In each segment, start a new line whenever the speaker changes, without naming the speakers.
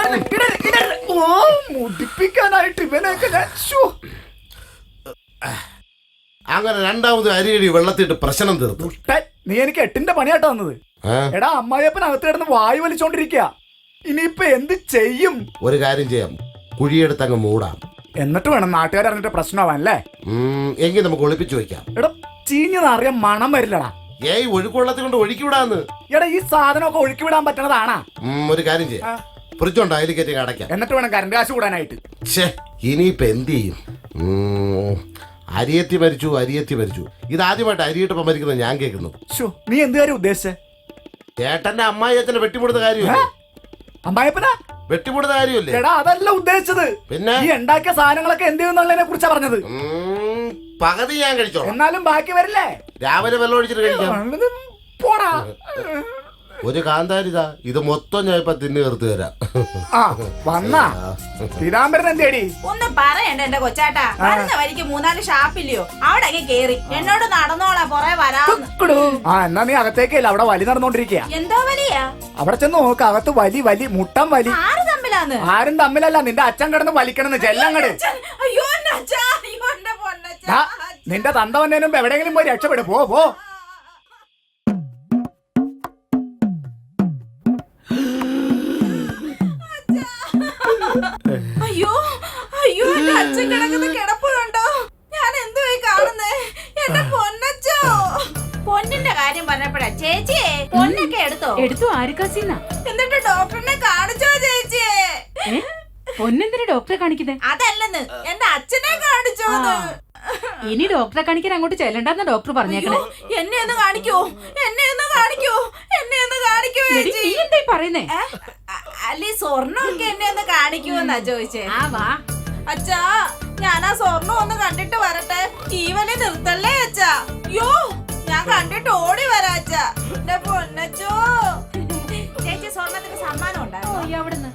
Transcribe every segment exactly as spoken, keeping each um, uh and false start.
മുടിപ്പിക്കാനായിട്ട് ഇവനൊക്കെ
അങ്ങനെ രണ്ടാമത് അരിയടി വെള്ളത്തിട്ട് പ്രശ്നം തീർത്തു.
നീ എനിക്ക് എട്ടിന്റെ പണിയാട്ടോ വന്നത്. എടാ അമ്മായിയപ്പൻ അകത്ത് കിടന്ന് വായു വലിച്ചോണ്ടിരിക്കുക. ഇനിയിപ്പൊ എന്ത് ചെയ്യും?
ഒരു കാര്യം ചെയ്യാം, കുഴിയെടുത്ത് അങ്ങ് മൂടാം.
എന്നിട്ട് വേണം നാട്ടുകാർ അറിഞ്ഞിട്ട് പ്രശ്നമാവാനല്ലേ?
എങ്കിൽ നമുക്ക് ഒളിപ്പിച്ചു വെക്കാം.
എടാ ചീഞ്ഞതറിയാൻ മണം വരില്ലടാ.
ഏയ് ഒഴുക്കുവെള്ളത്തിൽ കൊണ്ട് ഒഴുക്കി വിടാന്ന്.
എടാ ഈ സാധനമൊക്കെ ഒഴുക്കി വിടാൻ പറ്റണതാണാ?
ഒരു കാര്യം ചെയ്യാം, ഫ്രിഡ്ജുണ്ട് അതിൽ കയറ്റി അടയ്ക്കാം.
എന്നിട്ട് വേണം കറണ്ട് കാശ് കൂടാനായിട്ട്.
ഛേ ഇനിയിപ്പൊ എന്ത് ചെയ്യും? അരിയത്തി മരിച്ചു അരിയത്തി മരിച്ചു. ഇതാദ്യമായിട്ട് അരിയിട്ടപ്പം മരിക്കുന്നത് ഞാൻ കേൾക്കുന്നു.
നീ എന്ത് കാര്യം ഉദ്ദേശിച്ചേ?
ചേട്ടന്റെ അമ്മായിയച്ഛനെ വെട്ടിമുടുന്ന കാര്യമല്ലേ?
അമ്മായിപ്പനാ
വെട്ടിമുടുന്ന കാര്യമല്ലേ?
എടാ അതല്ല ഉദ്ദേശിച്ചത്. പിന്നെ ഈ ഉണ്ടാക്കിയ സാധനങ്ങളൊക്കെ എന്ത് ചെയ്യുന്നുള്ളതിനെ കുറിച്ചാ പറഞ്ഞത്.
പകുതി ഞാൻ കഴിച്ചോ,
എന്നാലും ബാക്കി വരില്ലേ?
രാവിലെ വെള്ളം ഒഴിച്ചിട്ട് കഴിക്കാം.
പോടാ.
ഒരു കാന്താരിതാ, ഇത് മൊത്തം ഞാൻ ഇപ്പൊ തിന്നു തീർത്ത് തരാം.
ഒന്നും പറയണ്ട എന്റെ കൊച്ചാട്ടാ. പറഞ്ഞ വരിക്ക് മൂന്നാല് ഷാപ്പില്ലയോ, അവിടെ കേറി എന്നോട് നടന്നോളാ പുറേ വരാന്ന്.
എന്നാ നീ അകത്തേക്കല്ല, അവിടെ വലി നടന്നോണ്ടിരിക്കുക.
എന്തോ വലിയാ?
അവിടെ ചെന്ന് നോക്ക്, അകത്ത് വലി വലി മുട്ടം വലി.
ആര് തമ്മിലാന്ന്?
ആരും തമ്മിലല്ല, നിന്റെ അച്ഛൻ കിടന്ന് വലിക്കണെന്ന് ചെല്ലങ്ങട്. നിന്റെ തന്ത വന്നതിനും എവിടെയെങ്കിലും പോയി രക്ഷപ്പെടും. പോ പോ.
അയ്യോ അയ്യോ എന്റെ അച്ഛൻ കിടക്കുന്ന കിടപ്പുണ്ടോ? ഞാൻ എന്തുവായി കാണുന്നേ? എന്റെ പൊന്നച്ചോ. പൊന്നിന്റെ കാര്യം പറഞ്ഞപ്പോഴാ ചേച്ചിയെ പൊന്നൊക്കെ എടുത്തോ?
എടുത്തു ആരിക്കാസിന്ന.
എന്നിട്ട് ഡോക്ടറിനെ കാണിച്ചോ ചേച്ചിയെ?
പൊന്നെന്തിനാ ഡോക്ടറെ കാണിക്കുന്നേ?
അതല്ലെന്ന്, എന്റെ അച്ഛനെ കാണിച്ചോന്ന്.
ഇനി ഡോക്ടറെ കാണിക്കാൻ അങ്ങോട്ട് ചെല്ലണ്ടെന്ന ഡോക്ടർ പറഞ്ഞേക്കണേ.
എന്നെ ഒന്ന് കാണിക്കോ, എന്നെ ഒന്ന് കാണിക്കോ, എന്നെ ഒന്ന് കാണിക്കോ ചേച്ചി.
നീ എന്തായി പറയുന്നേ?
അല്ലെ സ്വർണ്ണമൊക്കെ എന്നെ ഒന്ന് കാണിക്കുമെന്നാ ചോദിച്ചേ.
ആ വാ
അച്ഛാ, ഞാൻ ആ സ്വർണ്ണം ഒന്ന് കണ്ടിട്ട് വരട്ടെ. ഈ വലി നിർത്തല്ലേ അച്ഛാ? യോ ഞാൻ കണ്ടിട്ട് ഓടി വരാ അച്ഛാ. എന്റെ പൊന്നച്ചോ. ചേച്ചി സ്വർണ്ണത്തിന് സമ്മാനം ഉണ്ടായിരുന്നു
അവിടുന്ന്.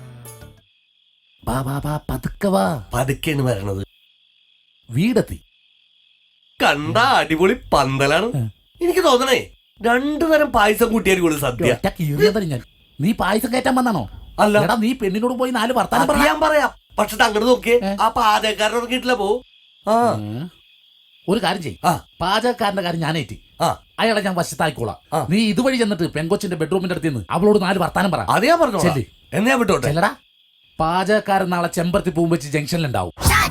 പതുക്കെയാണ് വരണത്.
വീടെത്തി.
കണ്ട അടിപൊളി പന്തലാണ്. എനിക്ക് തോന്നണേ രണ്ടു തരം പായസം കൂട്ടിയായിരിക്കും സദ്യ.
ഞാൻ നീ പായസം കയറ്റാൻ വന്നാണോ?
അല്ല,
നീ പെണ്ണിനോട് പോയി നാല് വർത്താനം
പറയാൻ പറയാം. പക്ഷെ അങ്ങോട്ട് നോക്കിയേ, ആ പാചകക്കാരൻ ഇറങ്ങിയിട്ടില്ല. പോ. ആ
ഒരു കാര്യം ചെയ്യും, പാചകക്കാരന്റെ കാര്യം ഞാനേറ്റി. അയാളെ ഞാൻ വശത്തായിക്കോളാം. നീ ഇതുവഴി ചെന്നിട്ട് പെങ്കൊച്ചിന്റെ ബെഡ്റൂമിന്റെ അടുത്ത് നിന്ന് അവളോട് നാല് വർത്താനം പറ.
അത് ഞാൻ പറഞ്ഞു. എന്നാ വിട്ടോട്ടെ.
ചെല്ലടാ. പാചകക്കാരൻ നാളെ ചെമ്പരത്തി പൂവ് വെച്ച് ജംഗ്ഷനിലുണ്ടാവും.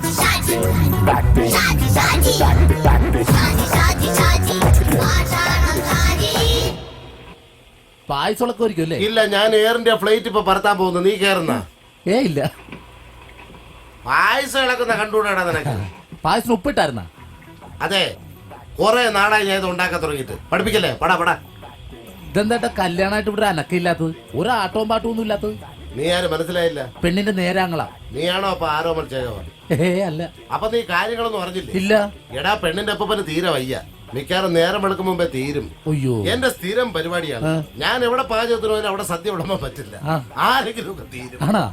പായസമൊക്കെ ഒരിക്കും അല്ലേ?
ഇല്ല, ഞാൻ എയർ ഇന്ത്യ ഫ്ലൈറ്റ് ഇപ്പൊ പറത്താൻ പോകുന്നു. നീ കേറുന്ന?
ഏ ഇല്ല.
പായസം ഇളക്കുന്ന കണ്ടുകൂടാ നിനക്ക്?
പായസം ഉപ്പിട്ടായിരുന്ന?
അതെ, കൊറേ നാളായി ഞാൻ ഇത് ഉണ്ടാക്കാൻ തുടങ്ങിയിട്ട്. പഠിപ്പിക്കല്ലേ? പടാ പടാ.
ഇതെന്താ കല്യാണമായിട്ട് ഇവിടെ അനക്കില്ലാത്തത്? ഒരു ആട്ടവും പാട്ടവും ഒന്നും ഇല്ലാത്തത്?
നീ ആരും മനസ്സിലായില്ല.
പെണ്ണിന്റെ നേരാങ്ങളാ.
നീയാണോ അപ്പൊ ആരോമൽ ചെയ്തോ?
ഏ അല്ല.
അപ്പൊ നീ കാര്യങ്ങളൊന്നും അറിഞ്ഞില്ലേ?
ഇല്ല.
എടാ പെണ്ണിന്റെ അപ്പന് തീരെ വയ്യ. മിക്കാറും നേരം വെളുക്കും മുമ്പേ തീരും.
അയ്യോ,
എന്റെ സ്ഥിരം പരിപാടിയാണ്. ഞാൻ എവിടെ പാചകത്തിന് പോയാലും അവിടെ സദ്യ വിളമ്പാൻ പറ്റില്ല. ആരെങ്കിലും ഒക്കെ തീരും.
ആണാ?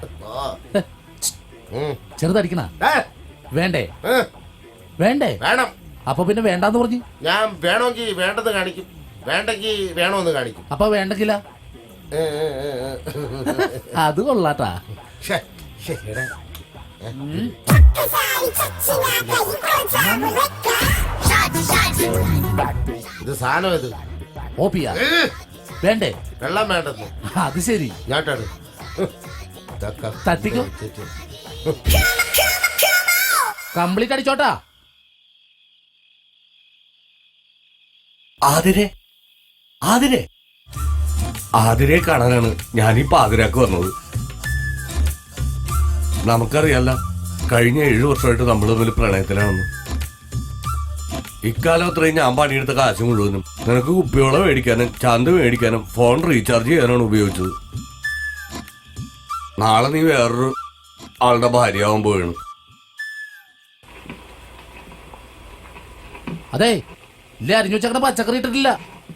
ചെറുതടിക്കണ വേണ്ടേ? വേണ്ടേ?
വേണം.
അപ്പൊ പിന്നെ വേണ്ടാന്ന് പറഞ്ഞു.
ഞാൻ വേണമെങ്കിൽ വേണ്ടെന്ന് കാണിക്കും, വേണ്ടെങ്കിൽ വേണമെന്ന് കാണിക്കും.
അപ്പൊ വേണ്ടെങ്കില? അത് കൊള്ളാട്ടാ.
ഇത് സാധനം ഇത്
ഓപ്പിയാ വേണ്ടേ?
വെള്ളം വേണ്ടെന്ന്.
അത് ശരി.
ഞാട്ടാണ്
തട്ടിക്കോ. കംപ്ലീറ്റ് അടിച്ചോട്ടാ.
ആതിരെ ആതിരെ ആതിരെ കാണാനാണ് ഞാനീ പാതിരാക്ക് വന്നത്. നമുക്കറിയാല്ല, കഴിഞ്ഞ ഏഴു വർഷമായിട്ട് നമ്മൾ തമ്മിൽ പ്രണയത്തിലാണെന്ന്. ഇക്കാലം അത്രയും ഞാൻ പണിയെടുത്ത കാശ് മുഴുവനും നിനക്ക് കുപ്പിവെള്ളം മേടിക്കാനും ചന്ത മേടിക്കാനും ഫോൺ റീചാർജ് ചെയ്യാനാണ് ഉപയോഗിച്ചത്. നാളെ നീ വേറൊരു ആളുടെ ഭാര്യയാവാൻ പോവുകയാണ്.
അതെ ഇല്ല, അരിഞ്ഞു വെച്ചേക്കണ പച്ചക്കറി ഇട്ടിട്ടില്ല.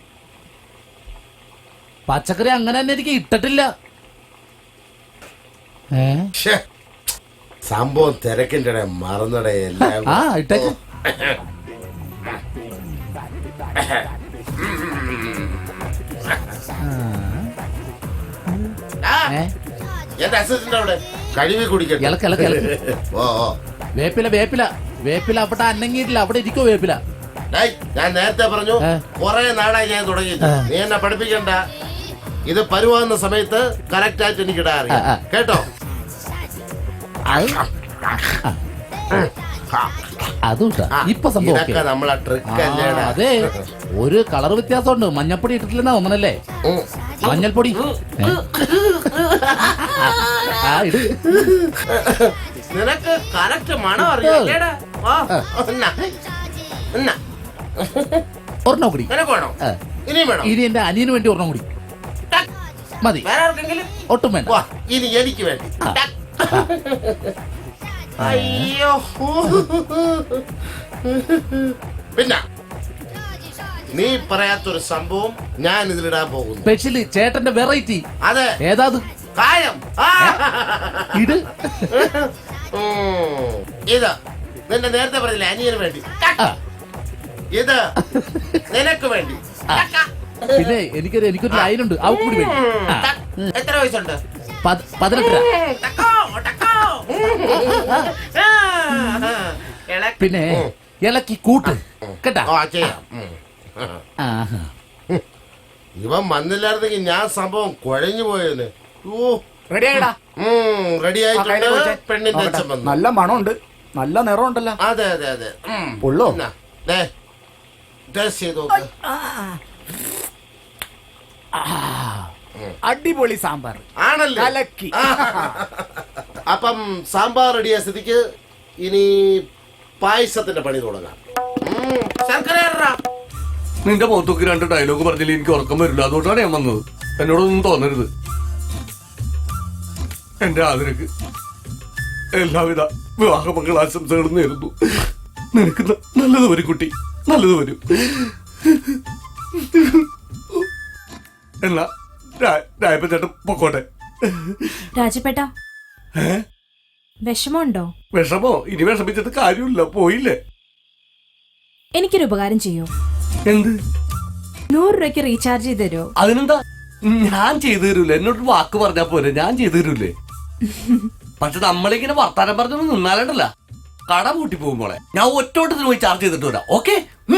പച്ചക്കറി അങ്ങനെ തന്നെ എനിക്ക് ഇട്ടിട്ടില്ല.
സംഭവം തിരക്കിന്റെ മറന്നടേ എല്ലാം.
ആ ഇട്ടേക്ക്.
എന്റെ അസിസ്റ്റന്റ് അവിടെ കഴുകി കുടിക്കട്ടെ.
ഇളക്ക് ഇളക്ക് ഇളക്ക്.
ഓ ഓ
വേപ്പില വേപ്പില വേപ്പില അവിടെ അന്നങ്ങിയിട്ടില്ല, അവിടെ ഇരിക്കോ വേപ്പില.
ഡേയ്, ഞാൻ നേരത്തെ പറഞ്ഞു
ഏ?
കുറെ നാളായി ഞാൻ തുടങ്ങിയിട്ട്.
ഏ.
നീ എന്നെ പഠിപ്പിക്കണ്ട. ഇത് പരുവാകുന്ന സമയത്ത് കറക്റ്റ് ആയിട്ട് എനിക്ക് ഇടാൻ അറിയാം.
ആ, ആ.
കേട്ടോ?
അതും ഇട്ടാ.
ആ,
ഇപ്പൊ സംഭവം
ഇതൊക്കെ
okay.
നമ്മളെ
ആ,
ട്രിക്ക് അല്ലേടാ.
അതെ, ഒരു കളർ വ്യത്യാസമുണ്ട്. മഞ്ഞപ്പൊടി ഇട്ടിട്ടില്ലെന്നാ ഒന്നല്ലേ?
ഉം.
മഞ്ഞൾപ്പൊടി ഏ? ആ ഇട്.
നിനക്ക് കറക്റ്റ് മണം അറിയാം.
ഒരെണ്ണം കൂടി.
നിനക്ക് വേണോ?
ആ.
ഇനിയും വേണം?
ഇനി എന്റെ അനിയന് വേണ്ടി ഒരെണ്ണം കൂടി മതി.
വേറെ ആർക്കെങ്കിലും?
ഒട്ടും വേണ്ട.
വാ, ഇനി എനിക്ക് വേണ്ടി.
ആ.
അയ്യോ. പിന്നെ നീ പറയാത്തൊരു സംഭവം ഞാൻ ഇതിലിടാൻ പോകുന്നു.
സ്പെഷ്യല് ചേട്ടന്റെ വെറൈറ്റി.
അതെ,
ഏതാത്?
കായം. ആ.
ഇത്
ഉം. ഇത് നിന്റെ നേരത്തെ പറഞ്ഞില്ല അനിയന് വേണ്ടി.
ആ.
ഇത് നിനക്ക് വേണ്ടി.
പിന്നെ എനിക്കൊരു എനിക്കൊരു ലൈനുണ്ട്, അവ കൂടി വേണ്ടി. ആ.
എത്ര വയസ്സുണ്ട്?
പത്- പതിനെട്ടര.
ടക്കോ, ടക്കോ. ഇളക്കി.
പിന്നെ ഇളക്കി കൂട്ട് കേട്ടാ.
ആ, ചെയ്യാം. ഉം.
ആഹാ.
ഇവൻ വന്നില്ലായിരുന്നെങ്കിൽ ഞാൻ സംഭവം കുഴഞ്ഞു പോയേനെ. ഓ,
റെഡി ആയിടാ.
റെഡി
ആ, കയ്യില്
ആയിട്ടുണ്ട്.
കൊടുത്തേ.
പെണ്ണിന്റെ
നോക്കട്ടെ.
അച്ഛൻ വന്നു.
നല്ല മണമുണ്ട്, നല്ല നിറമുണ്ടല്ലോ.
അതെ അതെ അതെ. ഉം.
ഉള്ളോ?
എന്നാ, ദേ, ടേസ്റ്റ് ചെയ്ത് നോക്ക്.
അടിപൊളി സാമ്പാർ
ആണല്ലേ?
കലക്കി.
ആ. അപ്പം സാമ്പാർ റെഡിയായ സ്ഥിതിക്ക് ഇനി പായസത്തിന്റെ പണി തുടങ്ങാം. ഉം. ശർക്കര ഇടടാ.
നിന്റെ മുഖത്തൊക്കെ രണ്ട് ഡയലോഗ് പറഞ്ഞില്ല, എനിക്ക് ഉറക്കം വരില്ല. അതുകൊണ്ടാണ് ഞാൻ വന്നത്. എന്നോടൊന്നും തോന്നരുത്. എന്റെ ആദരക്ക് എല്ലാവിധ വിവാഹ മംഗളാശംസകളും നേരുന്നു. നിനക്ക് ന- നല്ലത് വരും കുട്ടി, നല്ലത് വരും. എന്നാ രായപ്പൻ ചേട്ടൻ പൊക്കോട്ടെ.
രാജപേട്ട
ഏ
വിഷമമുണ്ടോ?
വിഷമോ? ഇനി വിഷമിച്ചിട്ട് കാര്യമില്ല, പോയില്ലേ.
എനിക്കൊരു ഉപകാരം ചെയ്യോ?
എന്ത്?
നൂറ് രൂപയ്ക്ക് റീചാർജ് ചെയ്ത് തരുമോ?
അതിനെന്താ, ഞാൻ ചെയ്തു തരൂല. എന്നോട് വാക്ക് പറഞ്ഞാ പോരെ, ഞാൻ ചെയ്തു തരൂലേ. പക്ഷെ നമ്മളിങ്ങനെ വർത്താനം പറഞ്ഞൊന്നും നിന്നാലണ്ടല്ല, കട പൂട്ടി പോകുമ്പോളെ ഞാൻ ഒറ്റോട്ടത്തിന് പോയി ചാർജ് ചെയ്തിട്ട് വരാം. ഓക്കെ?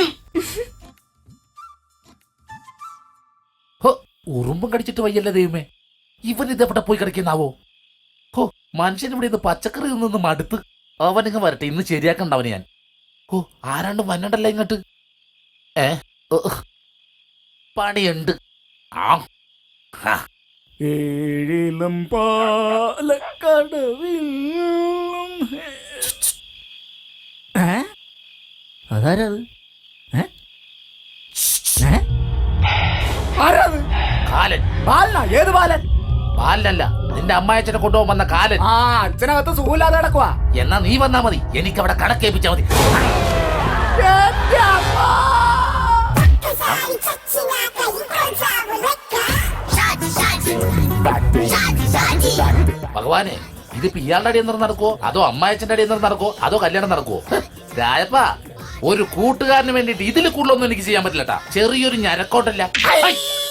ഉറുമ്പും കടിച്ചിട്ട് വയ്യല്ലേ ദൈവമേ, ഇവൻ ഇതെവിടെ പോയി കിടക്കുന്നാവോ? ഹോ, മനുഷ്യൻ ഇവിടെ ഇത് പച്ചക്കറി നിന്ന് മടുത്ത്. അവനിങ്ങ് വരട്ടെ, ഇന്ന് ശരിയാക്കണ്ടവന് ഞാൻ. ഓ, ആരാണ്ട് വന്നണ്ടല്ലോ ഇങ്ങോട്ട്. ഏ ഓ, പണിയുണ്ട്. ആ ഹാ.
ഏഴിലും പാലക്കടവിലും. ഏ? അതാരത്? ഏ? ഏ? ആരാത്?
കാലൻ.
ബാലനാ? ഏത് ബാലൻ?
ബാലനല്ല, നിന്റെ അമ്മായച്ചനെ കൊണ്ടുപോകാൻ വന്ന കാലൻ.
ആ, അച്ഛനകത്ത് സുഖമില്ലാതെ കിടക്കുവാ.
എന്നാ നീ വന്നാ മതി, എനിക്ക് അവിടെ കണക്കേപ്പിച്ചാ മതി.
എന്റെ അമ്മ!
ഭഗവാനെ, ഇതിപ്പോ ഇയാളുടെ അടിയിൽ നിന്ന് നടക്കുവോ, അതോ അമ്മായച്ചന്റെ അടിയിൽ നിന്ന് നടക്കുവോ, അതോ കല്യാണം നടക്കുവോ? രായപ്പ, ഒരു കൂട്ടുകാരന് വേണ്ടിട്ട് ഇതിൽ കൂടുതലൊന്നും എനിക്ക് ചെയ്യാൻ പറ്റില്ലട്ടാ. ചെറിയൊരു ഞരക്കോട്ടല്ല.